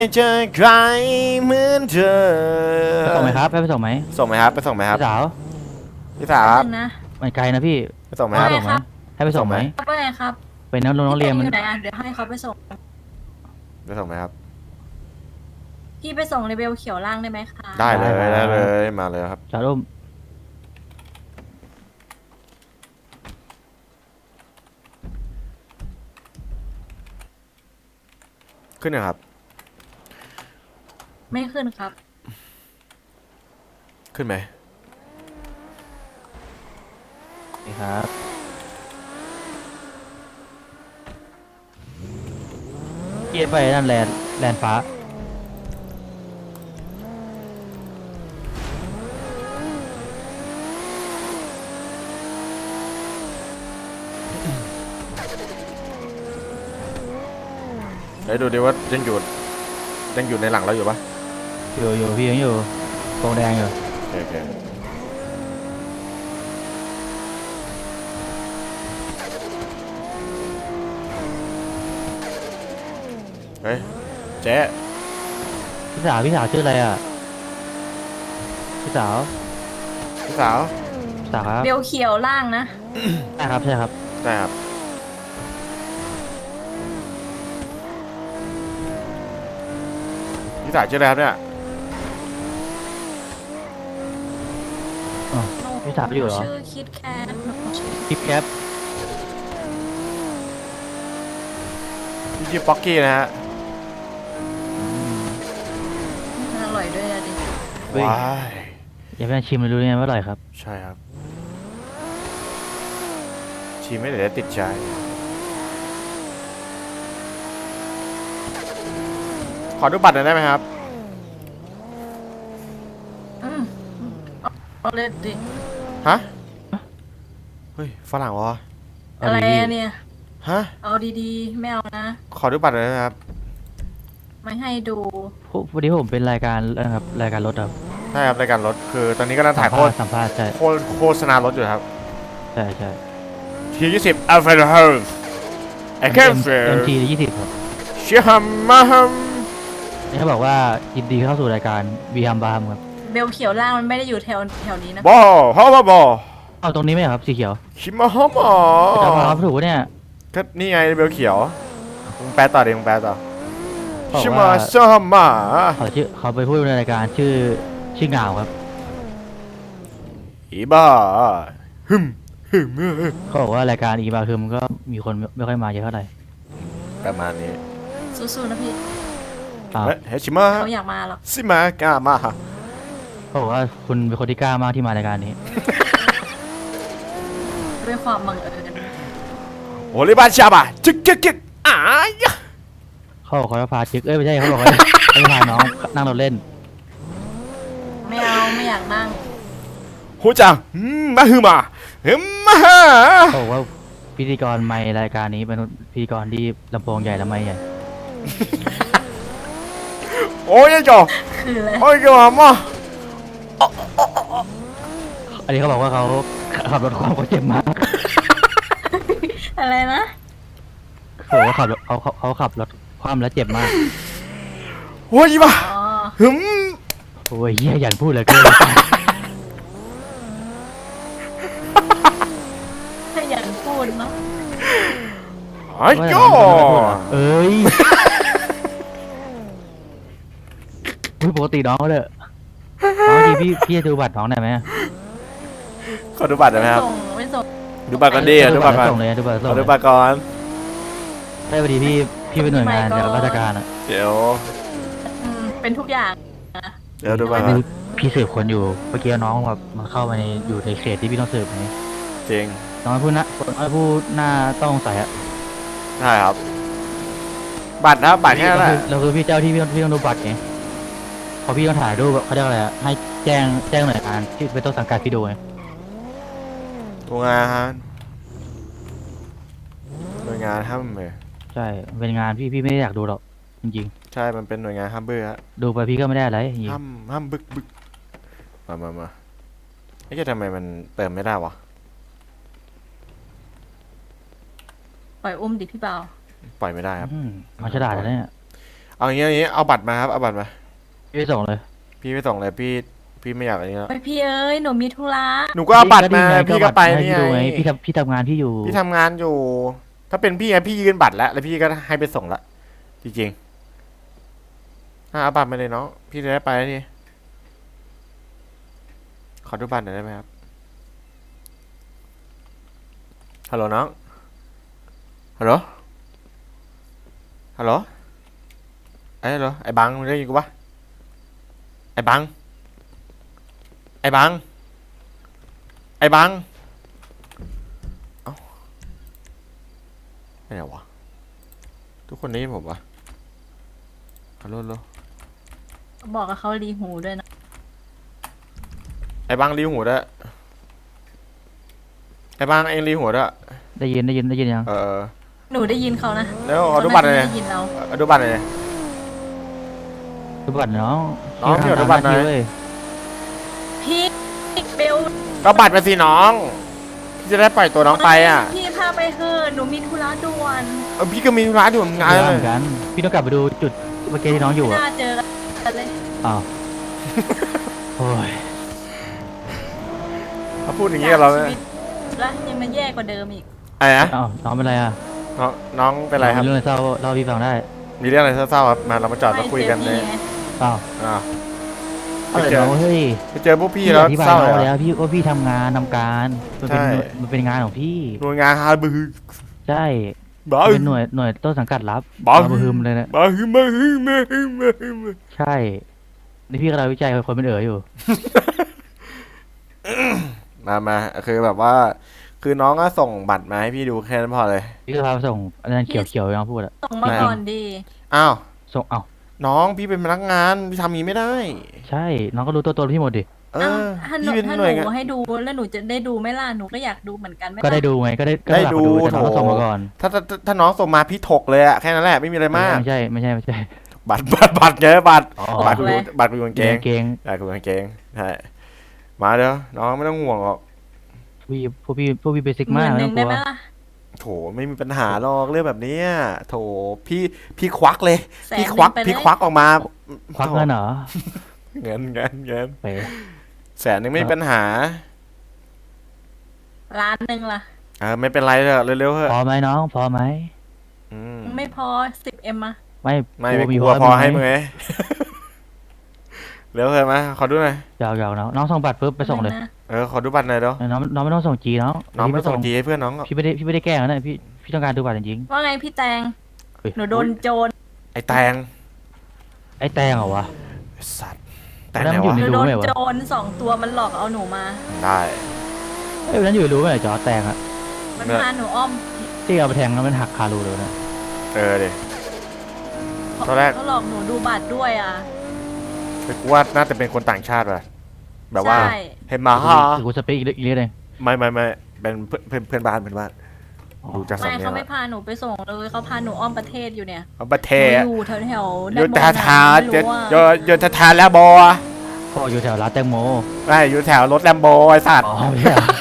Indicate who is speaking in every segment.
Speaker 1: เจอใครเหมือนเธอ
Speaker 2: ไปส่งไหมครับไปส่งไหม
Speaker 1: ส่งไหมครับไปส่งไหมครับ
Speaker 2: พี่สาว
Speaker 1: พี่สาวครับ
Speaker 3: นึงนะ
Speaker 2: มันไกลนะพี่
Speaker 1: ไปส่งไหม
Speaker 2: ให้
Speaker 1: ครับ
Speaker 2: ไปส่งไหมให้ไปส่งไหม
Speaker 3: ครับว่าไงครับ
Speaker 2: ไปน้องเรียนมัน
Speaker 3: พี่อยู่ไหนอ่ะเดี๋ยวให้เขาไปส่ง
Speaker 1: ไปส่งไหมครับ
Speaker 3: พี่ไปส่งเลเวลเขียวล่างได้ไหมคะ
Speaker 1: ได้เลยได้เลยมาเลยครับ
Speaker 2: จอดร่ม
Speaker 1: ขึ้นนะครับ
Speaker 3: ไม่ขึ้นครับ
Speaker 1: ขึ้นไหม
Speaker 2: นี่ครับเกียร์ไปนั่นแลนฟ้า
Speaker 1: เดี๋ยวดูดิว่ายังอยู่ในหลังเราอยู่ปะ
Speaker 2: อยู่พี่ยังอยู่โกงแดงอยู่
Speaker 1: โอเคเฮ้ยเจ๊
Speaker 2: พี่สาวชื่ออะไรอ่ะพี่สาว
Speaker 1: พี่สาว
Speaker 2: ครับ
Speaker 3: เบลเขียวล่างนะ
Speaker 2: ใช่ครับ
Speaker 1: ได้ครับพี่สาวชื่ออะไรครับเนี่ย
Speaker 2: อ๋อพี่สาวอยู่เหรอ
Speaker 3: ชื่อคิดแคทชื่อ
Speaker 2: ทิปแคป
Speaker 1: พี่ชื่อป๊อกกี้นะฮะ
Speaker 3: อร่อยด้วยอะดิ
Speaker 1: ว้าย
Speaker 2: อย่าไปชิมเลยรู้ไงว่าอร่อยครับ
Speaker 1: ใช่ครับชีไม่ได้ติดใจขอดูบัตรหน่อยได้ไหมครับ
Speaker 3: อืมเอาเลยดิ
Speaker 1: ฮะ เฮ้ย ฝรั่งวะ
Speaker 2: เอา
Speaker 3: อะไร
Speaker 2: ดี
Speaker 3: อะเนี่ย
Speaker 1: ฮะ
Speaker 3: เอาดีๆไม่เอานะ
Speaker 1: ขอดูบัตรหน่อยได้ไหมครับ
Speaker 3: ไม่ให้ดู
Speaker 2: วันนี้ผมเป็นรายการนะครับรายการรถครับ
Speaker 1: ใช่ครับรายการรถ คือตอนนี้กำลังถ่าย
Speaker 2: สัมภาษณ์ใช่
Speaker 1: โฆษณารถอยู่ครับ
Speaker 2: ใช่
Speaker 1: ที20 Alpha House ไอ้แค่เฟร
Speaker 2: MT 20ครับ
Speaker 1: เชียฮัมมาฮัม
Speaker 2: นี่เขาบอกว่ายินดีเข้าสู่รายการวีฮัมบาร์มครับ
Speaker 3: เบลเขียวล่างมันไม่ได้อยู่แถวนี้นะ
Speaker 1: บอฮาวาบอ
Speaker 2: เอาตรงนี้ไหมครับสีเขียว
Speaker 1: ชิมาฮอมอ
Speaker 2: จะมาครับถูกปะเนี่ย
Speaker 1: ก็นี่ไงเบลเขียวมึงแปลต่อดิมึงแปลต่อ
Speaker 2: บอก
Speaker 1: ชิมา
Speaker 2: ว่า
Speaker 1: ซอมมา
Speaker 2: เขาไปพูดในรายการชื่อเหงาครับ
Speaker 1: อีบ้าฮึม
Speaker 2: เขาบอกว่ารายการอีบาคือมันก็มีคนไม่ค่อยมาเยอะเท่าไหร่
Speaker 1: ประมาณนี้
Speaker 3: สู้ๆนะพี่
Speaker 2: อ้าว
Speaker 1: เฮ้ยชิมา
Speaker 3: เขาอยากมาหรอก
Speaker 1: ซิมากามา
Speaker 2: เขาบอกว่าคุณเป็นคนที่กล้ามากที่มารายการนี้
Speaker 3: ด้วยความบังเอิญ
Speaker 1: โอลิบาชาบะจึกจึกจึกอ้ายะ
Speaker 2: เขาบอกเขาจะพาจิกไม่ใช่เขาบอกว่าเขาจะพาน้องนั่งรถเล่น
Speaker 3: ไม่เอาไม่อยากนั่ง
Speaker 1: ฮูจังมาฮึมาฮึมาฮะ
Speaker 2: เขาบอกว่าพิธีกรไม่รายการนี้เป็นพิธีกรที่ลำโพงใหญ่และไม่ใหญ่
Speaker 1: โอ้ยจ่อ
Speaker 3: คืออะไร
Speaker 1: โอ้ยจ่อมา
Speaker 2: อันนี้เขาบอกว่าเขาขับรถความเขาเจ็บมาก
Speaker 3: อะไรนะ
Speaker 2: เขาบอกว่าขับรถเขาขับรถความแล้วเจ็บมาก
Speaker 1: โอ้ยบ้า
Speaker 3: อ๋อ
Speaker 1: ฮึม
Speaker 2: โอ้ยเหี้ยอย่าพูดเลยเกิน
Speaker 3: ขยันพูดเนาะ
Speaker 1: ไอ้จ่อ
Speaker 2: เอ้ยอุ๊ยปกติน้องก็เลยน้องดีพี่จะดูบัตรน้องได้ไหม
Speaker 1: ขอดูบัตรได้ไหมครับ
Speaker 3: ไม่ส่ง
Speaker 1: ดูบัตรกันดิดูบัตรก่อน
Speaker 2: ส่งเลยดูบัตร
Speaker 1: ข
Speaker 2: ส่
Speaker 1: อง
Speaker 2: เล
Speaker 1: ดู
Speaker 2: ย
Speaker 1: บัตรก่อน
Speaker 2: ได้พอดีพี่เป็นหน่วยงานจากราชการอ่ะ
Speaker 1: เดี๋ยว
Speaker 3: เป็นทุกอย่าง
Speaker 1: เดี๋ยวดูบัตรก่อน
Speaker 2: พี่สืบคนอยู่เมื่อกี้น้องแบบมันเข้ามาอยู่ในเขตที่พี่ต้องสืบไง
Speaker 1: จริง
Speaker 2: น้องพูดหน้าต้องสงสัยอะ
Speaker 1: ใช่ครับ บัตรนะครับบัตรแค่นั้นแหละ
Speaker 2: เราคือพี่เจ้าที่พี่ต้องดูบัตรไงพอพี่ต้องถ่ายรูปเขาเรียกอะไรอะให้แจ้งหน่วยงานที่เป็นต้นสังกัดพี่ดูไง
Speaker 1: โรงงานหน่วยงานห้ามเลย
Speaker 2: ใช่เป็นงานพี่ไม่ได้อยากดูหรอกจริง
Speaker 1: ใช่มันเป็นหน่วยงานห้ามเบื่อฮะ
Speaker 2: ๆดูไปพี่ก็ไม่ได้อะไรจริง
Speaker 1: ห้ามบึกมาไอ้แกทำไมมันเติมไม่ได้วะ
Speaker 3: ปล่อยอุ้มดิพี่เบา
Speaker 1: ปล่อยไม่ได้ครับ
Speaker 2: มันฉลาดนะเนี่ย
Speaker 1: เอาอย่างงี้เอาบัตรมาครับเอาบัตรมา
Speaker 2: พี่ไปส่งเลย
Speaker 1: พี่ไม่ส่งเลยพี่ไม่อยากอะไรนี้แล้ว
Speaker 3: ไปพี่เอ้ยหนูมีธุระ
Speaker 1: หนูก็เอาบัตรมา
Speaker 2: นี่ไง
Speaker 1: พี่ก็ไป
Speaker 2: ให้
Speaker 1: นี่
Speaker 2: พี่ดูไง
Speaker 1: ไง
Speaker 2: พี่ทำงานพี่อยู่
Speaker 1: พี่ทำงานอยู่ ถ้าเป็นพี่ไงพี่ยืนบัตรแล้วพี่ก็ให้ไปส่งละจริงๆเอาบัตรมาเลยน้องพี่จะได้ไปแล้วนี่ขอดูบัตรหน่อยได้ไหมครับฮัลโหลน้องฮัลโหลฮัลโหลฮัลโหลไอ้บังมึงได้ยินกูปะไอ้บังไอ้บังไอ้บังเอ้าไม่ไหนวะทุกคนได้ยินผมปะฮัลโหล
Speaker 3: บอกกับเขารีหูด้วยนะ
Speaker 1: ไอ้บังรีหัวด้วยไอ้บังเองรีหัวด้วย
Speaker 2: ได้ยินยัง
Speaker 3: หนูได้ยินเขานะ
Speaker 1: แล้วขอดูบัตรหน่อย
Speaker 3: เขาาจะได้ยินเรา
Speaker 1: เอาดูบัตรหน่อย
Speaker 2: ดูบัตรน้อง
Speaker 1: น้องพี่ขอดูบัตรหน่อย
Speaker 2: เว้ย
Speaker 3: พี่เบล
Speaker 1: ก็บัตรมาสิน้องพี่จะได้ปล่อยตัวน้องไปอ่ะ
Speaker 3: พี่พาไปเถอะหนูมีธุระด่วน
Speaker 1: พี่ก็มีธุร้านอยู่เหมือนกัน
Speaker 2: เเหมือนกัน พี่ต้องกลับไปดูจุดเมื่อกี้ที่น้องอยู่
Speaker 3: ไม่
Speaker 2: อ่ะ
Speaker 3: น่าเจอกันเลย
Speaker 2: อ้าวโอ้ย
Speaker 1: เขาพูดอย่างนี้กับเรา
Speaker 3: ชี
Speaker 1: เนี่ย
Speaker 3: วิตแล้วยังมาแย่กว่าเดิมอีก
Speaker 1: อะไรนะ
Speaker 2: อ้าวน้องเป็นไรอ่ะ
Speaker 1: น้องเป็นไรครับ
Speaker 2: มีเรื่องอะไรเศร้าเล่าให้พี่ฟังได้
Speaker 1: มีเรื่องอะไรเศร้าๆครับมาเรามาจอดมาคุยกันเลย
Speaker 3: ไม่จอพี่ไง
Speaker 2: อ้าว
Speaker 1: อ่า
Speaker 2: เอาเลยน้องเฮ้ย
Speaker 1: ไปเจอพวกพี่
Speaker 2: พี่
Speaker 1: แล้ว
Speaker 2: อธิบาย
Speaker 1: เศร้า
Speaker 2: น้
Speaker 1: เล
Speaker 2: อง
Speaker 1: ย
Speaker 2: ไป
Speaker 1: เหร
Speaker 2: แล้
Speaker 1: อ
Speaker 2: วพี่ว่าพี่ทำงานมันเป็น
Speaker 1: ใช่
Speaker 2: มันเป็นงานของพี่
Speaker 1: หน่วยงานฮาร์บือ
Speaker 2: ใช่
Speaker 1: บ้า
Speaker 2: เป็นหน่วยต้นสังกัดรับ
Speaker 1: บ้า
Speaker 2: มาฮึมเลยนะ
Speaker 1: บ้าฮึมาฮึมาฮึมาฮึมา
Speaker 2: ใช่นี่พี่กำลังวิจัยคนเป็นอยู่
Speaker 1: มาคือแบบว่า คือน้องก็ส่งบัตรมาให้พี่ดูแค่นั้นพอเลย
Speaker 2: พี่ก็พาไปส่งอันนั้นเขียวๆยังพูดอะ
Speaker 3: ส่งมาก่อนดี
Speaker 1: อ้าว
Speaker 2: ส่งเอ้า
Speaker 1: น้องพี่เป็นพนักงานพี่ทำอย่างนี้ไม่ได้
Speaker 2: ใช่น้องก็รู้ตัวตนพี่หมดดิ
Speaker 1: เอ
Speaker 3: อ้าว
Speaker 1: อ
Speaker 3: ถ้าหนู
Speaker 1: พี่เป็น
Speaker 3: ถ้า
Speaker 1: ห
Speaker 3: ห
Speaker 1: น่วยงาน
Speaker 3: นูให้ดูแล้วหนูจะได้ดูไหมล่ะหนูก็อยากดูเหมือนกันไหม
Speaker 2: ก็ได้
Speaker 3: ล่ะ
Speaker 2: ดูไงก็ได้
Speaker 1: ได้
Speaker 2: หลับ
Speaker 1: ดู
Speaker 2: แต่น้องก็ส่งมาก่อน
Speaker 1: ถ้าน้องส่งมาพี่ถกเลยอะแค่นั้นแหละไม่มีอะไรมาก
Speaker 2: ไม่ใช่
Speaker 1: บัตรไงบัตร
Speaker 2: อ๋อ
Speaker 1: บัตรกูบัตรกูกางเกง
Speaker 2: เกง
Speaker 1: บัตรกูกางเกงใช่มาเดี๋ยวน้องไม่ต้องห่วงหรอก
Speaker 2: พวกพี่เบสิก
Speaker 3: ห
Speaker 2: มา
Speaker 3: มื่
Speaker 2: ก
Speaker 3: นห
Speaker 2: ไม่
Speaker 3: นึ่
Speaker 2: ต้อง งกลัว
Speaker 3: ได้ไหมล่ะ
Speaker 1: โถไม่มีปัญหาหรอกเรื่องแบบเนี้ยโถพี่ควักเลย
Speaker 3: แสน
Speaker 1: พี่ควัก
Speaker 3: หนึ่งไปเลย
Speaker 1: พี่ควักออกมา
Speaker 2: ควักเงินเหรอ
Speaker 1: เงิน
Speaker 2: ไป
Speaker 1: แสนนึงไม่มีปัญหา
Speaker 3: ล้านหนึ่งล่ะ
Speaker 1: ไม่เป็นไรเถอะเร็วๆเถอะ
Speaker 2: พอไหมน้องพอไหม
Speaker 1: อืม
Speaker 3: ไม่พอ10M อะ
Speaker 2: ไม่
Speaker 1: ไม่
Speaker 2: กลัว
Speaker 1: กลัวพอให้มึง
Speaker 2: ไห
Speaker 1: ไงเร็วเถอะมาขอดูหน่อย
Speaker 2: หยอกน้องส่งบัตรปุ๊บไปส่งเลย
Speaker 3: นะ
Speaker 1: ขอดูบัตรหน่อยเดี๋ยว
Speaker 2: น้องไม่ต้องส่งจีน้อง
Speaker 1: น้องไม่
Speaker 2: พี่
Speaker 1: ส่งจีให้เพื่อนน้อง
Speaker 2: พี่ไม่ได้แกล้งนะพี่ต้องการดูบัตรจริง
Speaker 3: ว่าไงพี่แตง
Speaker 2: ๆเฮ้ย
Speaker 3: หนูโดนโจร
Speaker 1: ไอ้แตง
Speaker 2: ไอ้แตงเหรอวะ
Speaker 1: ไอ้สัตว์แตง
Speaker 2: แล้ว
Speaker 1: ไหน
Speaker 2: มันอยู่
Speaker 1: วะ
Speaker 3: ห
Speaker 2: ใน
Speaker 3: นูโดน
Speaker 2: รู้ไหมวะ
Speaker 3: โจร2 ตัวมันหลอกเอาหนูมา
Speaker 1: ได้
Speaker 2: เอ้ยวันนั้นอยู่รู้ไหมจอแตงอะ
Speaker 3: มันพาหนูอ้อม
Speaker 2: ที่เอาไปแทงแล้วมันหักคารูเลยนะ
Speaker 1: ดิ ตอนแรก
Speaker 3: เขาหลอกหนูดูบัตรด้วยอ่ะ
Speaker 1: แต่กูว่าน่าจะเป็นคนต่างชาติว่ะแบบว่า
Speaker 3: ใช่
Speaker 1: เห็นมาฮะ
Speaker 2: กูสเปคอีกเรื่องหนึง
Speaker 1: ไม่เป็นเพื่อนบ้านดูจาก
Speaker 3: ไม่
Speaker 1: สำเนีย
Speaker 3: เขา
Speaker 1: ง
Speaker 3: ไม่พาหนูไปส่งเลยเขาพาหนูอ้อมประเทศอยู่เนี่ย
Speaker 1: เขาประเท
Speaker 3: หนู
Speaker 1: ศ
Speaker 3: อยู่แถวๆ
Speaker 1: โย
Speaker 3: ด้านบน
Speaker 1: ธา
Speaker 3: นะไม่รู้ว่า
Speaker 1: โยธาแล้วบอ
Speaker 2: พ่ออยู่แถวร้านแตงโม
Speaker 1: ไม่อยู่แถวรถแลมโบไอ้สัตว์
Speaker 2: อ๋อไม่ใช่เหรอ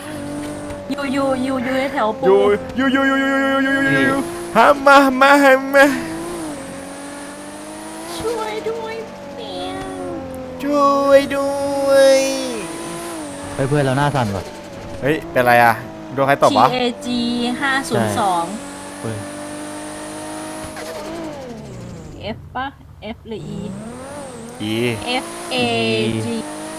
Speaker 3: อยู่แถวปู
Speaker 1: อยู่ฮามา
Speaker 3: ช่วยด้วยเปียง
Speaker 1: ช่วยด้วย
Speaker 2: เฮ้ยเพื่อนเราหน้าสั่นว่ะ
Speaker 1: เฮ้ยเป็นไรอ่ะโดนใครตบวะ
Speaker 3: TAG 502
Speaker 2: เฮ้ย
Speaker 3: F ป่ะ F หรือ E
Speaker 1: อี
Speaker 3: F A G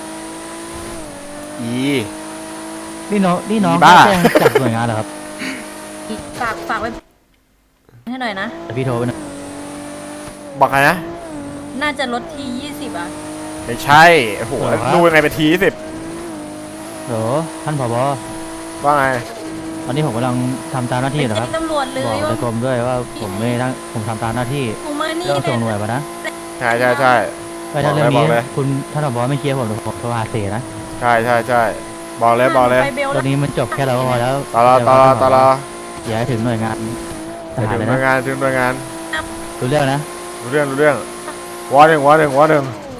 Speaker 2: นี่น้อง
Speaker 1: อี
Speaker 2: ก็
Speaker 1: บ้า
Speaker 2: แจ้งจากหน่วยงานเหรอครับ
Speaker 3: ฝากไว้ให้หน่อยนะ
Speaker 2: แต่พี่โทรไปนะ
Speaker 1: บอกไงนะ
Speaker 3: น่าจะลดที่20อ่ะ
Speaker 1: ไม่ใช่โอ้โหดูยังไงเป็นที10
Speaker 2: โหท่านผบ
Speaker 1: ว่าไง
Speaker 2: ตอนนี้ผมกำลังทำตามหน้าที่
Speaker 3: ไป
Speaker 2: เหรอค
Speaker 3: แจ้
Speaker 2: รับ
Speaker 3: งตำรวจเลย
Speaker 2: บอก
Speaker 3: ว่า
Speaker 2: ในกรมด้วยว่าผมทำตามหน้าที่
Speaker 3: กูมานี่
Speaker 2: เรื่องส่งหน่วยมานะ
Speaker 1: ใช่
Speaker 2: ไปถ้าเรื่อง
Speaker 1: บอ
Speaker 2: นี้
Speaker 1: กเลย
Speaker 2: คุณท่านผบไม่เคลียร์ผมเดี๋ยวผมโทรหาเสนะ
Speaker 1: ใช่บอกเลย
Speaker 3: ไปเบล
Speaker 2: ตอ
Speaker 3: แล้ว
Speaker 2: นนี้มันจบแค่เราก็พอแล้ว
Speaker 1: ตลอ
Speaker 2: อย่าให้ถึงหน่วยงานท
Speaker 1: ถึ
Speaker 2: หารง เลย
Speaker 1: หน่วย
Speaker 2: นะ
Speaker 1: งานถึงหน่วยงาน
Speaker 2: รู้เรื่องนะ
Speaker 1: รู้เรื่องวอหนึ่ง
Speaker 2: น้ำเหร
Speaker 3: ส
Speaker 2: อ
Speaker 3: อน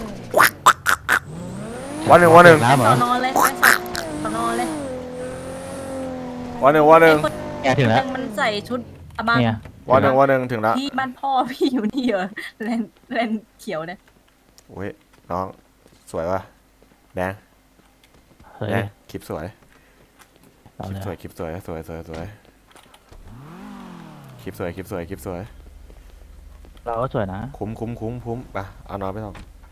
Speaker 3: อเลยไปสอนอเลยว
Speaker 1: อหนึ่ง
Speaker 2: แกถึงแล้ว
Speaker 3: มันใส่ชุดอะบัง
Speaker 2: เนี่ย
Speaker 1: ว่าหนึ่งถึงแล้ว
Speaker 3: พี่บ้านพ่อพี่อยู่นี่เหรอแลนเขียวเนี่ย
Speaker 1: โอ้ยน้องสวยวะแดง
Speaker 2: เฮ้ย
Speaker 1: แดงคลิปสวย
Speaker 2: เอา
Speaker 1: คลิ
Speaker 2: เล
Speaker 1: ป
Speaker 2: ย
Speaker 1: สวยคลิปสวยสวยสวยสวยคลิปสวยคลิปสวยคลิปสวย
Speaker 2: เราก็สวยนะ
Speaker 1: คุ้มไปเอาน้องไปส่ง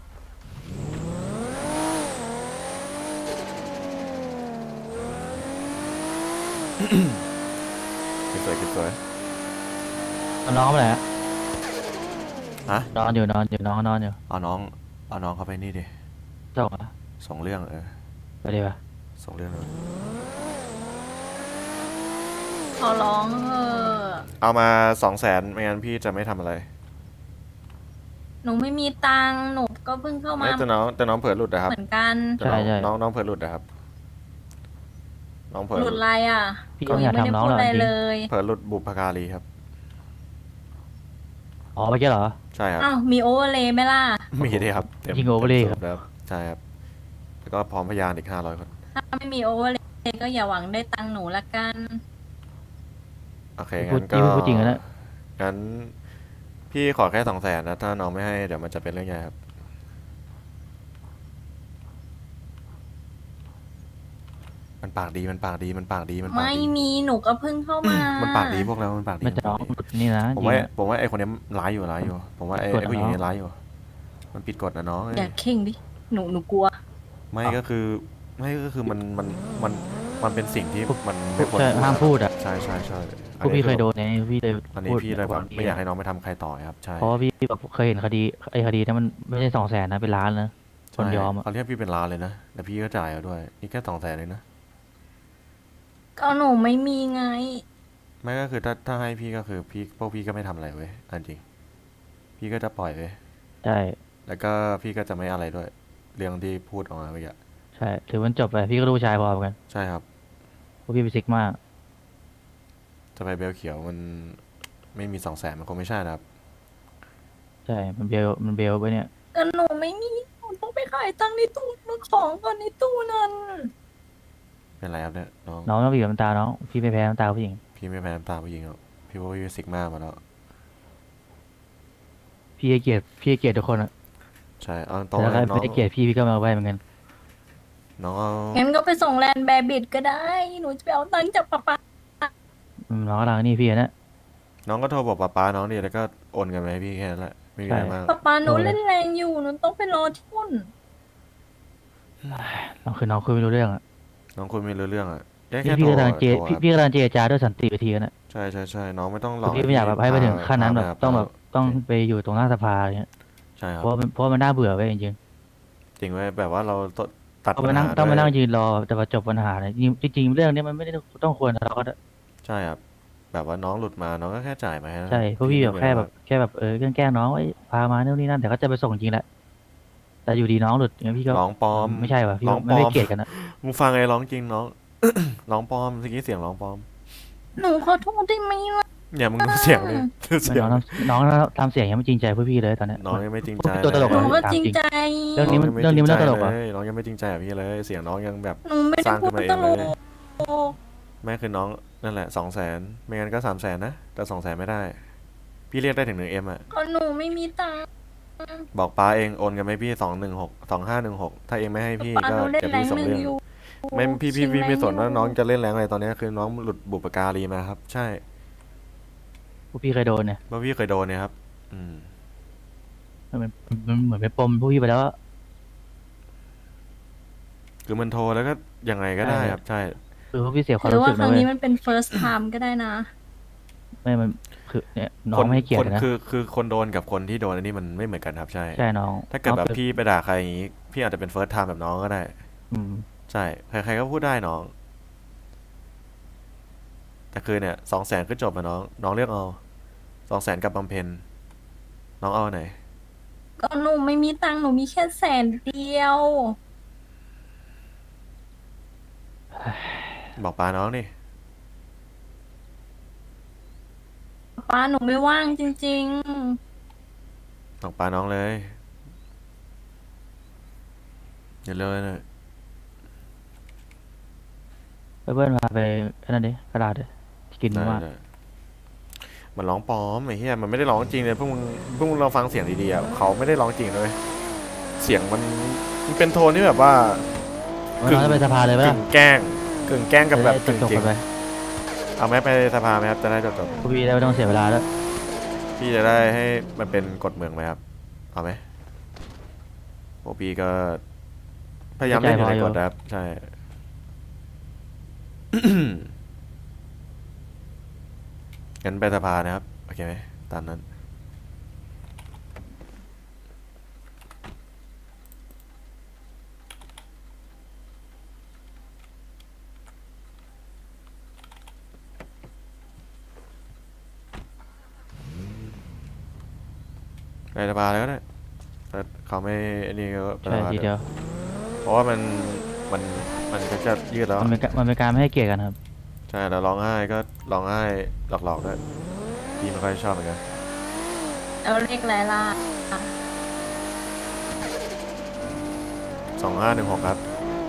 Speaker 1: คลิปสวยคลิปสวย
Speaker 2: เอาน้องไปไหนอะ
Speaker 1: ฮะ
Speaker 2: นอนอยู่น้องนอนอยู่
Speaker 1: เอาน้องเขาไปนี่ดิ
Speaker 2: ส่งอะ
Speaker 1: ส่งเรื่อง
Speaker 2: ไปดีป่ะ
Speaker 1: ส่งเรื่องเลย
Speaker 3: ขอร้อง
Speaker 1: เอามา200,000ไม่งั้นพี่จะไม่ทำอะไร
Speaker 3: หนูไม่มีตังค์หนูก็เพิ่งเข้ามา
Speaker 1: ไม่แต่น้องเผลอหลุดนะครับ
Speaker 3: เหมือนกัน
Speaker 1: แต่น้องเผลอหลุดนะครับน้องเผลอ
Speaker 3: หลุดอะไรอ่ะ
Speaker 2: พี่
Speaker 3: ห
Speaker 2: ก็
Speaker 3: นู
Speaker 2: อ
Speaker 3: ยั
Speaker 2: ยาง ก
Speaker 3: ไม่ได้
Speaker 2: ทำน้อง
Speaker 3: พูด
Speaker 2: หรอก
Speaker 3: อะไร
Speaker 2: จริง
Speaker 3: เลย
Speaker 1: เผลอหลุดบุพการีครับ
Speaker 2: อ๋อเมื่อกี้เหรอ
Speaker 1: ใช่ครับ
Speaker 3: อ้าวมีโอเวอร์เลยไหมล่ะ
Speaker 1: มีดิครับเต็ม
Speaker 2: ยิง overlay
Speaker 1: ต็มสูบแล้วใช่ครับแล้วก็พร้อมพยานอีก500 คน
Speaker 3: ถ้าไม่มีโอเวอร์เลยก็อย่าหวังได้ตังค์หนูละกัน
Speaker 1: โอเค
Speaker 2: พู
Speaker 1: งั้
Speaker 2: ด
Speaker 1: นก็
Speaker 2: พูดจริงนะ
Speaker 1: งั้นพี่ขอแค่200,000นะถ้าน้องไม่ให้เดี๋ยวมันจะเป็นเรื่องใหญ่ครับมันปากดีมันปากดี
Speaker 3: ไม่มีหนูก็เพิ่งเข้ามา
Speaker 1: มันปากดีพวกเรามันปากดี
Speaker 2: ไม่จะน้องนี่นะ
Speaker 1: ผม
Speaker 2: จริง
Speaker 1: ว่า
Speaker 2: อะ
Speaker 1: ผมว่าไอ้คนนี้ร้ายอยู่ผมว่าไอ้
Speaker 2: กด
Speaker 1: ผู้หญิง
Speaker 2: น้อง
Speaker 1: นี้ร้ายอยู่มันผิดกฎนะน้อง
Speaker 3: อย่าเข่งดิหนูกลัว
Speaker 1: ไม่ก็คือมันเป็นสิ่งที่มันไม่ควร
Speaker 2: ใช่ห้ามพูดอ่ะ
Speaker 1: ใช่
Speaker 2: พวกพี่เคยโดนไงพี่เลย
Speaker 1: อันนี้
Speaker 2: พูด
Speaker 1: พี่เลยแบบ
Speaker 2: ก่น
Speaker 1: ไม่อยากให้น้องไปทำใครต่อครับใช่
Speaker 2: เพราะว่าพี่แบบเคยเห็นคดีคดีนั้นมันไม่ใช่200,000นะเป็นล้านนะคนยอมอะ
Speaker 1: เขาเรียกพี่เป็นล้านเลยนะแต่พี่ก็จ่ายเอาด้วยนี่แค่200,000เลยนะ
Speaker 3: ก็หนูไม่มีไง
Speaker 1: ไม่ก็คือถ้าให้พี่ก็คือพวกพี่ก็ไม่ทำอะไรเว้ยอันจริงพี่ก็จะปล่อยเว้ย
Speaker 2: ใช่
Speaker 1: แล้วก็พี่ก็จะไม่อะไรด้วยเรื่องที่พูดออกมาเมื่อกี้
Speaker 2: ใช่ถือมันจบไปพี่ก็รู้ชายพอเหมือนกัน
Speaker 1: ใช่ครับ
Speaker 2: เพราะพี่ไปซิกมาก
Speaker 1: จะไปเบลเขียวมันไม่มี200,000มันคงไม่ใช่นะครับ
Speaker 2: ใช่มันเบลไปเนี่ย
Speaker 3: ก็หนูไม่มีหนูต้องไปขายตังค์ในตู้มาของก่อนในตู้นั้น
Speaker 1: เป็นไรครับเนี่ยน้อง
Speaker 2: น้องต้องบีบน้ำตาน้องพี่ไม่แพ้น้ำตาผู้หญิง
Speaker 1: พี่ไม่แพ้น้ำตาผู้หญิงหรอกพี่ว่าพี่ซิกมามาแล้ว
Speaker 2: พี่ให้เกียรติทุกคนอะ
Speaker 1: ใช่เอาตร
Speaker 2: แต่
Speaker 1: งๆ
Speaker 2: ถ้า
Speaker 1: เลยน้อง
Speaker 2: ไม่ได้เกียรติพี่ก็มาเอาไว้เหมือนกัน
Speaker 1: น้องเอา
Speaker 3: งั้นก็ไปส่งแลนด์แบบิดก็ได้ หนูจะไปเอาตังค์จากป๊าป๊า
Speaker 2: น้องกำลังนี่พี่นะ
Speaker 1: น้องก็โทรบอกป้าน้องดิแล้วก็โอนเงินมาให้พี่แค่นั้นแหละไม่มีอะไรมาก
Speaker 3: ป๊าป๊าหนูเล่นแรงอยู่ หนูต้องไปรอที่นู่น
Speaker 2: น้องคือน้องคุยไม่รู้เรื่องอะ
Speaker 1: น้องคุยไม่รู้เรื่องอ่ะแค่
Speaker 2: พี่
Speaker 1: แค่
Speaker 2: พี่
Speaker 1: โทร
Speaker 2: กำลังเจ
Speaker 1: โทรครับ
Speaker 2: พี่กำลังเจรจาด้วยสันติวิธีนะ
Speaker 1: ใช่น้องไม่ต้องหลอก
Speaker 2: พี่ไม่อยากแบบให้ไปถึงขั้นนั้นแบบ
Speaker 1: พา
Speaker 2: ต้องแบบต้องไปอยู่ตรงหน้าสภาอะไรเงี้ย
Speaker 1: ใช่ครั
Speaker 2: เพ
Speaker 1: บ
Speaker 2: ราะมันน่าเบื่อไปจริง
Speaker 1: จริงไว้ยแบบว่าเราตัด
Speaker 2: ๆต้อง
Speaker 1: ปั
Speaker 2: มา
Speaker 1: ญ
Speaker 2: นั่ง
Speaker 1: หา
Speaker 2: ต้องมานั่ง
Speaker 1: ด้วย
Speaker 2: ยืนรอแต่ว่าจบปัญหาเลยจริงๆเรื่องนี้มันไม่ได้ต้องควรทะเลาะกันอะ
Speaker 1: ใช่ครับแบบว่าน้องหลุดมาน้องก็แค่จ่ายมาให้
Speaker 2: ใช่เพราะพี่แบบแค่แบบแกล้งน้องพามาโน่นนี่นั่นแต่ก็จะไปส่งจริงแหละแต่อยู่ดีน้องหลุดอย่างเงี้ยพี่ก็
Speaker 1: ร้องปลอม
Speaker 2: ไม่ใช่ว่ะพี่
Speaker 1: ร้องปล
Speaker 2: ไม่
Speaker 1: อ
Speaker 2: ได้
Speaker 1: ม
Speaker 2: เกลียดกันนะ
Speaker 1: มึงฟังไอ้ร้องจริงน้อง ร้องปลอมเมื่อกี้เสียงร้องปลอม
Speaker 3: หนูขอโทษได้ไหมล่ะ
Speaker 1: อย่ามึงดูเสียงเลยเสียง
Speaker 2: น้องทำเสียงยังไม่จริงใจเพื่อพี่เลยตอนเนี้ย
Speaker 1: น้องยังไม่จริงใจ
Speaker 2: ตัวตลก
Speaker 3: หนู
Speaker 2: อะ
Speaker 3: ก็จริงใจ
Speaker 2: เรื่องนี้มันน่าตลกเหรอ
Speaker 1: น้องยังไม่จริงใจกับพี่เลยเสียงน้องยังแบบ
Speaker 3: หนูไม่
Speaker 1: ส
Speaker 3: ได้
Speaker 1: ร้าง
Speaker 3: พู
Speaker 1: ขึ้
Speaker 3: ด
Speaker 1: นมาเอง
Speaker 3: ตล
Speaker 1: เลย
Speaker 3: ก
Speaker 1: แม่คือน้องนั่นแหละ200,000ไม่งั้นก็300,000นะแต่200,000ไม่ได้ พี่เรียกได้ถึง1Mอ่ะ
Speaker 3: ก็หนูไม่มีตังค์
Speaker 1: บอกป้าเองโอนกันไหมพี่2516ถ้าเองไม่ให้พี่
Speaker 3: ป๊า
Speaker 1: ก็
Speaker 3: หนูเล่น
Speaker 1: จะ
Speaker 3: แร
Speaker 1: พี่
Speaker 3: ง
Speaker 1: ส่ง
Speaker 3: หนึ่ง
Speaker 1: เรื่อง
Speaker 3: อยู่
Speaker 1: ไม่พี่
Speaker 3: ชิงแรง
Speaker 1: ไม่สนว่า
Speaker 3: อยู่
Speaker 1: น้องจะเล่นแรงอะไรตอนนี้คือน้องหลุดบุปการีมาครับ ใช่
Speaker 2: พวกพี่เคยโดนเนี่ย
Speaker 1: เพราะพี่เคยโดนเนี่ยครับ อืม
Speaker 2: มันเหมือนเป็นปมพวกพี่ไปแล้วอะ
Speaker 1: คือมันโทรแล้วก็ยังไงก็ได้ครับ ใช่
Speaker 2: คือพวกพี่เสียความ
Speaker 3: หรือ
Speaker 2: รู้
Speaker 3: ว่า
Speaker 2: สึก
Speaker 3: ค
Speaker 2: นะ
Speaker 3: รั้ง
Speaker 2: เว้ย
Speaker 3: นี้มันเป็น first time ก็ได้นะ
Speaker 2: ไม่มันคือเนี่ยน้องไม่ให้เกียรตินะ
Speaker 1: คือคนโดนกับคนที่โดนอันนี้มันไม่เหมือนกันครับ ใช่
Speaker 2: ใช่น้อง
Speaker 1: ถ้าเกิดแบบ
Speaker 2: น้อง
Speaker 1: พี่ไปด่าใครอย่างนี้ พี่อาจจะเป็น first time แบบน้องก็ได้
Speaker 2: อืม
Speaker 1: ใช่ ใครๆก็พูดได้น้อง แต่คือเนี่ย200,000ก็จบอะน้องเลือกเอา200,000กับบำเพ็ญน้องเอาไหน
Speaker 3: ก็หนูไม่มีตังค์หนูมีแค่100,000เดียว
Speaker 1: บอกป้าน้องดิ
Speaker 3: ป้าหนูไม่ว่างจริง
Speaker 1: บอกป้าน้องเลยอย่าเลยนะ
Speaker 2: เพื่อนพาไปนั่นดิกระดาษดิกิน
Speaker 1: ได้
Speaker 2: มาก
Speaker 1: ได้มันร้องปลอมไอ้เหี้ยมันไม่ได้ร้องจริงเลยพวกมึงลองฟังเสียงดีๆอ่ะเขาไม่ได้ร้องจริงเลยเสียงมันเป็นโทนที่แบบว่า
Speaker 2: วันนั้นจะไปสภาเลยไหม
Speaker 1: กึ่
Speaker 2: ล่ะ
Speaker 1: งแกล้งกับแบบ
Speaker 2: จะ
Speaker 1: กึ่ง
Speaker 2: ได้จบ
Speaker 1: จริ
Speaker 2: ๆ
Speaker 1: ง
Speaker 2: ไป
Speaker 1: เอาไหมไปสภาไหมครับจะได้จบ
Speaker 2: พวกพี่ได้ไม่ต้องเสียเวลาแล้ว
Speaker 1: ๆพี่จะได้ให้มันเป็นกฎเมืองไหมครับเอาไหมพวกพี่ก็พยายามเล่นอยู่ในกฎนะครับใช่ งั้นไปสภานะครับโอเคไหมตามนั้นไปสภาแล้วก็ได้ถ้าเขาไม่อันนี้ก็ไป
Speaker 2: ใช่
Speaker 1: สภา
Speaker 2: ที
Speaker 1: เถ
Speaker 2: เดียว
Speaker 1: อะเพราะว่ามันก็จะยืดแล้ว
Speaker 2: มันเป็นการไม่ให้เกียรติกันครับ
Speaker 1: ใช่แล้วร้องไห้ก็ร้องไห้หลอกๆด้วยพี่ไม่ค่อยชอบเหมือนกัน
Speaker 3: แล้วเลขอะไรล่ะ
Speaker 1: 2516ครับ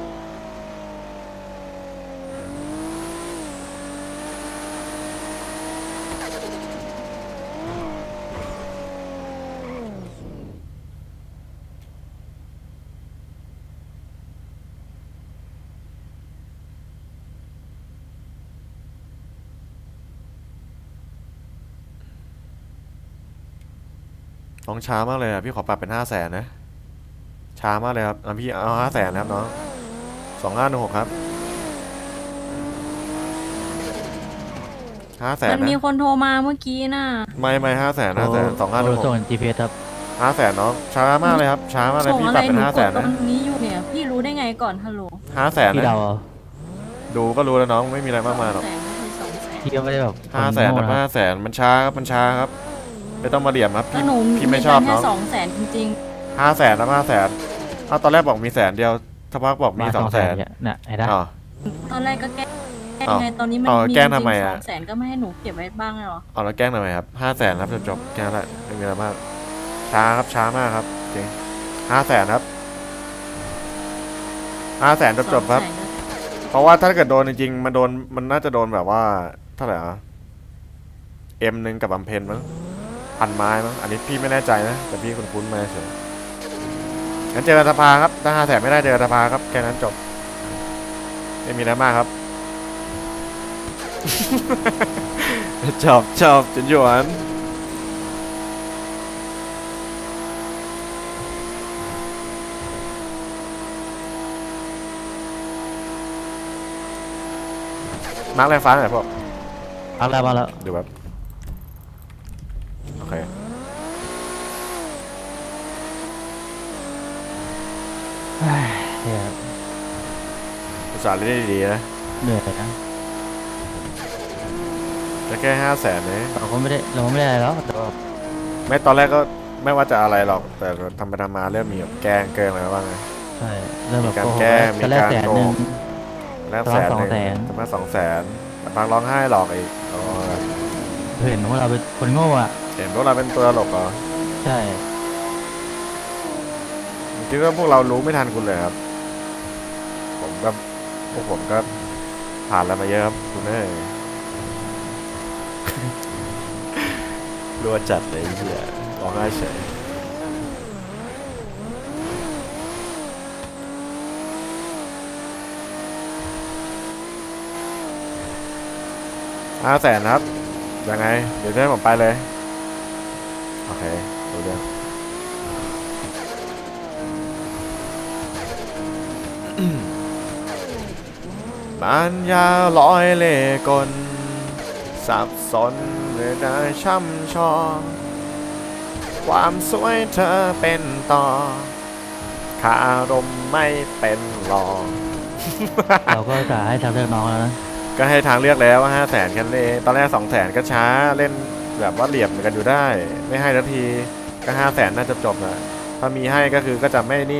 Speaker 1: น้องช้ามากเลยอ่ะพี่ขอปรับเป็น500,000นะช้ามากเลยครับพี่เอา500,000นะครับน้อง2516ครับ500,000
Speaker 3: มัน
Speaker 1: นะ
Speaker 3: มีคนโทรมาเมื่อกี้น่ะ
Speaker 1: ไม่500,000
Speaker 2: ส่ง
Speaker 1: 2516
Speaker 2: GPS ครับ
Speaker 1: 500,000น้องช้ามากเลยครับช้ามากเลย
Speaker 3: ส่ง
Speaker 1: พี่
Speaker 3: อะ
Speaker 1: ป
Speaker 3: ไร
Speaker 1: รับเป็
Speaker 3: ห
Speaker 1: น
Speaker 3: นูกด
Speaker 1: 500,000
Speaker 3: ตร
Speaker 1: นะ
Speaker 3: งนี้อยู่เนี่ย พี่รู้ได้ไงก่อนฮัลโหล
Speaker 1: 500,000
Speaker 2: พี่
Speaker 1: นะ
Speaker 2: เดาเอา
Speaker 1: ดูก็รู้แล้วน้องไม่มีอะไรมากมายหรอก
Speaker 3: 200,000ก็คือ200,000
Speaker 2: พี่ก็ไม่ได้แบบ
Speaker 1: 500,000
Speaker 2: ค
Speaker 1: นะ
Speaker 2: โง่
Speaker 1: 500,000มันช้าครับมันช้าครับไม่ต้องมาเหลี่ยมครับ
Speaker 3: ก็
Speaker 1: พี่
Speaker 3: หนู
Speaker 1: พี่ไม่ชอบ
Speaker 3: แค่
Speaker 1: น้อง
Speaker 3: 200,000จริง
Speaker 1: 500,000นะ500,000เอาตอนแรกบอกมี100,000สักพักบอกมี
Speaker 2: มา
Speaker 1: 200,000
Speaker 2: เนี่ยน่ะไอ้ด้า
Speaker 1: อ๋อ
Speaker 3: ๆ ตอนแรกก็แกล้ง
Speaker 1: อ้าว
Speaker 3: ไงตอนนี้มัน
Speaker 1: อ้าว
Speaker 3: มี
Speaker 1: แกล้ง
Speaker 3: จริ
Speaker 1: ทำไม
Speaker 3: ง
Speaker 1: อะ
Speaker 3: 200,000ก็ไม่ให้หนูเก็บไว้บ้างเลยเหรอ
Speaker 1: เอาแล้วแกล้งทำไมครับ500,000ครับจบแค่นั้นแหละไม่มีอะไรมากช้าครับช้ามากครับจริง500,000ครับ500,000จบครับ
Speaker 3: 200,000ก็
Speaker 1: เพราะว่าถ้าเกิดโดนจริงๆมันน่าจะโดนแบบว่าเท่าไหร่อ่ะM1กับบำเพ็ญมั้งพันไม้มั้งอันนี้พี่ไม่แน่ใจนะแต่พี่คุ้นๆมาเฉยงั้นเจอกันสภาครับถ้า500,000ไม่ได้เจอกันสภาครับแค่นั้นจบไม่มีอะไรมากครับ ชอบจนหยวนมาร์กแรงฟ้าหน่อยพวก
Speaker 2: เอาแล้วมาแล้ว
Speaker 1: ดูแบบโอเค
Speaker 2: เฮ้ยเหี้ย
Speaker 1: อุตส่าห์เล่นได้ดีๆนะ
Speaker 2: เหนื่อยนะ
Speaker 1: แต่แค่500,000เนี่ย
Speaker 2: เราก็ไม่ได้อะไรแล้วแต่ว่า
Speaker 1: ไม่ตอนแรกก็ไม่ว่าจะอะไรหรอก แต่ทำไปทำมาเริ่มมีแบบแกล้งเกินอะไรบ้างไง
Speaker 2: ใช่เริ่มแบบ
Speaker 1: มีการ
Speaker 2: โกหก
Speaker 1: แก้มี
Speaker 2: ตอนแรก
Speaker 1: การ
Speaker 2: 100,000
Speaker 1: โกหก แล้ว
Speaker 2: ประมาณ
Speaker 1: 100,000
Speaker 2: 200,000
Speaker 1: ประมาณ200,000แต่พังร้องไห้หลอกอีกอ๋อ
Speaker 2: เห็นว่าเราเป็นคนโง่อ่ะ
Speaker 1: เห็นพวกเราเป็นตัวตลกเหรอ
Speaker 2: ใช่
Speaker 1: คิดว่าพวกเรารู้ไม่ทันคุณเลยครับ พวกผมก็ผ่านอะไรมาเยอะครับคุณเอ้ย รัวจัดเลยไอ้เหี้ยร้องไห้เฉย500,000ครับ ยังไง เดี๋ยวให้ผมไปเลย โอเคดูเรื่อง ปัญญาลอยเล่กล สับสนหรือได้ช่ำชองความสวยเธอเป็นต่อคารมไม่เป็นหรอง
Speaker 2: เราก็จะให้ทางเลือกน้องแล้วนะ
Speaker 1: ก็ให้ทางเลือกแล้วว่า500,000กันเลยตอนแรก200,000ก็ช้าเล่นแบบว่าเหลี่ยมกันอยู่ได้ ไม่ให้ทันทีก็500,000น่าจะจบนะถ้ามีให้ก็คือก็จะไม่นี่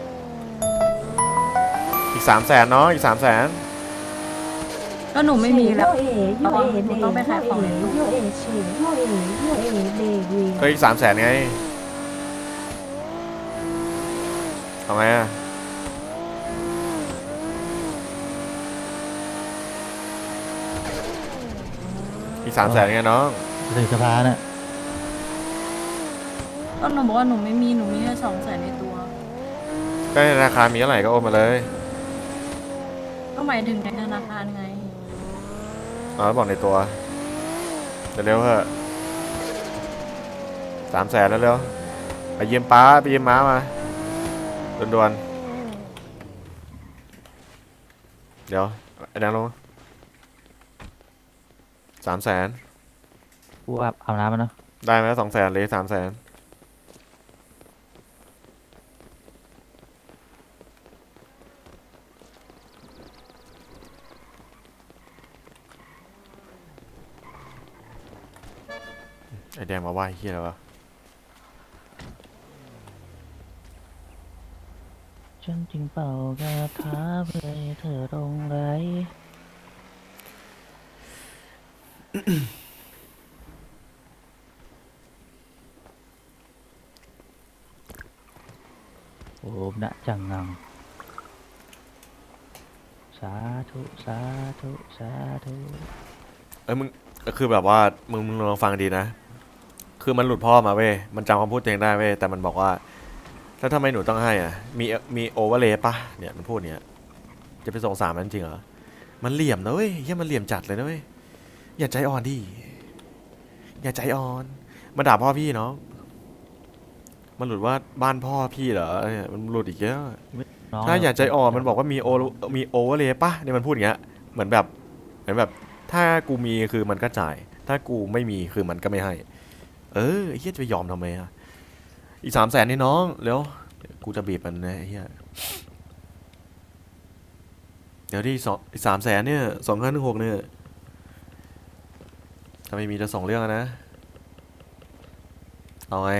Speaker 1: อีก300,000เนาะอีก300,000
Speaker 3: ก็หนูไม่มีแล้ว
Speaker 4: โยเอ
Speaker 3: หนูต้องไปขายของในตู้
Speaker 4: โยเอเฉยโยเอเดวี
Speaker 1: ก็อีก300,000ไงทำไมอ่ะอีก300,000ไงน้อง
Speaker 2: ถึงสภาเนี่ย
Speaker 3: ก็หนูบอกว่าหนูไม่มีหนูมีแค่200,000ในตัว
Speaker 1: ก็ในธนาคารมีเท่าไหร่ก็โอนมาเลย
Speaker 3: ก็หมายถึงในธนาคารไง
Speaker 1: อ๋อบอกในตัวเร็วๆเถอะ300,000แล้วเร็วไปยืมป้าไปยืมม้ามาด่วนๆเดี๋ยวไอ้นางลง300,000
Speaker 2: กูอาบน้ำมันเนาะ
Speaker 1: ได้ไหม200,000เลย300,000ไอ้แดงมาว่าไอ้เฮียแล้ววะ
Speaker 2: ฉันจึงเป่ากระทาเพื่อให้เธอลงไหลโอมนะจังงังสาธุสาธุสาธุ
Speaker 1: มึงคือแบบว่ามึงลองฟังดีนะ คือมันหลุดพ่อมาเว้ยมันจำคำพูดตัวเองได้เว้ยแต่มันบอกว่าแล้วทำไมหนูต้องให้อ่ะมีโอเวอร์เลยปะเนี่ยมันพูดเนี้ยจะไปส่ง3มันจริงเหรอมันเหลี่ยมนะเว้ยเฮียมันเหลี่ยมจัดเลยนะเว้ยอย่าใจอ่อนดิอย่าใจอ่อนมาด่าพ่อพี่เนาะมันหลุดว่าบ้านพ่อพี่เหรอเนี่ยมันหลุดอีกเยอะ
Speaker 2: น้อง
Speaker 1: ถ้าอย่าใจอ่อนมันบอกว่ามีโอเวอร์เลยปะเนี่ยมันพูดอย่างเงี้ยเหมือนแบบถ้ากูมีคือมันก็จ่ายถ้ากูไม่มีคือมันก็ไม่ให้ไอ้เฮียจะไปยอมทำไมอ่ะอีก300,000นี่น้องเร็วกูจะบีบมันนะไอ้เฮียเดี๋ยวที่อีก300,000เนี่ย2516เนี่ยถ้าไม่มีจะส่งเรื่องนะเอาไง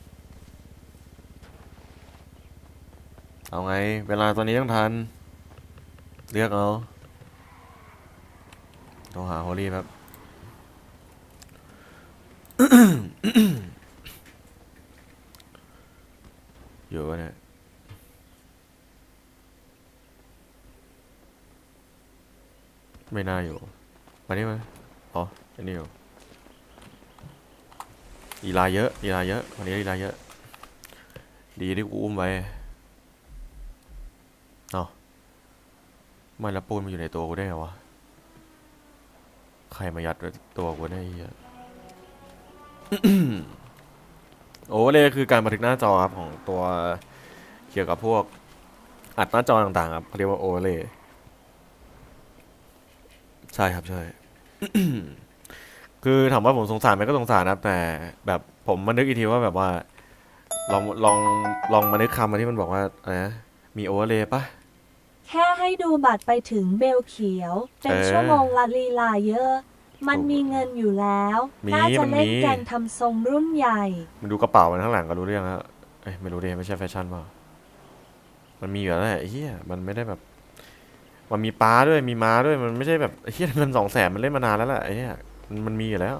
Speaker 1: เวลาตอนนี้ต้องทันเลือกเอาต้องหาฮอลลี่ครับ อยู่วะเนี่ยไม่น่าอยู่มานี่มาอ๋ออันนี้อยู่อีลาเยอะวันนี้อีลาเยอะดีที่กูอุ้มไว้เนาะไม่ละปูนมันอยู่ในตัวกูได้ไงวะใครมายัดไว้ตัวกูได้ไอ้เหี้ย โอเวอร์เลยคือการบันทึกหน้าจอครับของตัวเกี่ยวกับพวกอัดหน้าจอต่างๆครับเขาเรียกว่าโอเวอร์เลยใช่ครับใช่ คือถามว่าผมสงสารไหมก็สงสารนะครับแต่แบบผมมานึกอีกทีว่าแบบว่าลองลองลองมานึกคำมาที่มันบอกว่าอะไรนะมีโอเวอร์เลยปะ
Speaker 4: แค่ให้ดูบัตรไปถึงเบลเขียว เป็นชั่วโมงละลีลาเยอะ มันมีเงินอยู่แล้ว น่าจะเล่นแกงทำทรงรุ่นใหญ่
Speaker 1: มันดูกระเป๋ามันข้างหลังก็รู้เรื่องแล้วไม่รู้ดิไม่ใช่แฟชั่นเปล่ามันมีอยู่แล้วแหละไอ้เหี้ยมันไม่ได้แบบมันมีป้าด้วยมีม้าด้วยมันไม่ใช่แบบไอ้เหี้ยเงิน200,000มันเล่นมานานแล้วแหละไอ้เหี้ยมันมีอยู่แล้ว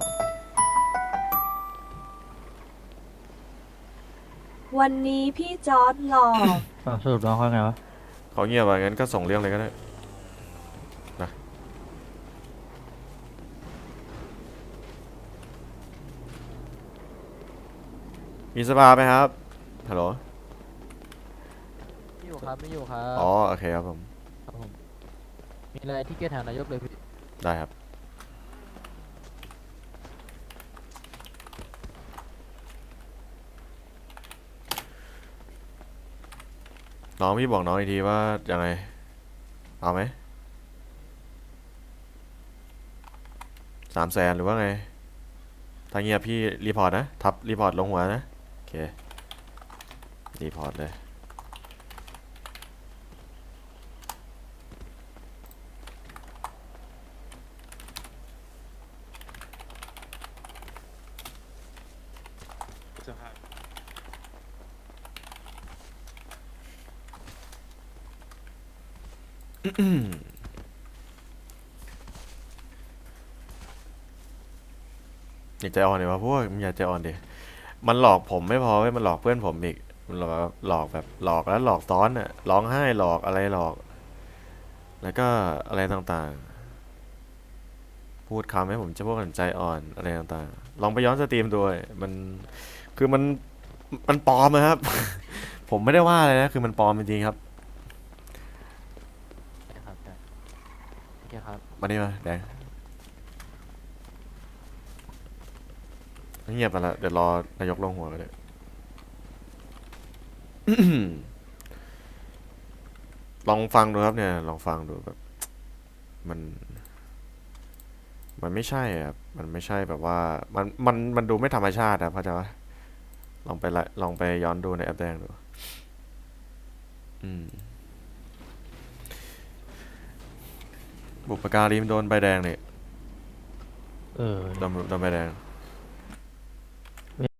Speaker 4: วันนี้พี่จอร์ดหล่อ
Speaker 2: สรุปน้องเขาไงวะ
Speaker 1: เขาเงียบอ่ะงั้นก็ส่งเรื่องเลยก็ได้นะมีสภาไหมครับฮัลโหล
Speaker 5: ไม่อยู่ครับไม่อยู่ครับ
Speaker 1: อ๋อโอเคครับผม
Speaker 5: ครับผมมีอะไรที่เกียรติหานายกเลยพี่
Speaker 1: ได้ครับน้องพี่บอกน้องอีกทีว่ายังไงเอาไหม300,000หรือว่าไงถ้าเงียบพี่รีพอร์ตนะทับรีพอร์ตลงหัวนะโอเครีพอร์ตเลยอย่าใจอ่อนเลยวะพวกมึงอย่าใจอ่อนดิมันหลอกผมไม่พอเว้ยมันหลอกเพื่อนผมอีกมันหลอกแบบหลอกแล้วหลอกซ้อนอ่ะร้องไห้หลอกอะไรหลอกแล้วก็อะไรต่างๆพูพูดคำให้ผมจะพวกกันใจอ่อนอะไรต่างๆลองไปย้อนสตรีมด้วยมันคือมันปลอมนะครับ ผมไม่ได้ว่าอะไรนะคือมันปลอมจริงๆครับ
Speaker 5: ใช่ครับใช่โอเคครับ
Speaker 1: มานี่มาแดงเงียบไปละเดี๋ยวรอนายกลงหัวกันเลย ลองฟังดูครับเนี่ยลองฟังดูแบบมันมันไม่ใช่อะครับมันไม่ใช่แบบว่ามันดูไม่ธรรมชาติครับเข้าใจปะลองไปย้อนดูในแอปแดงดูอืมบุปการีมโดนใบแดงเนี่ย
Speaker 2: เออ
Speaker 1: โดนใบแดง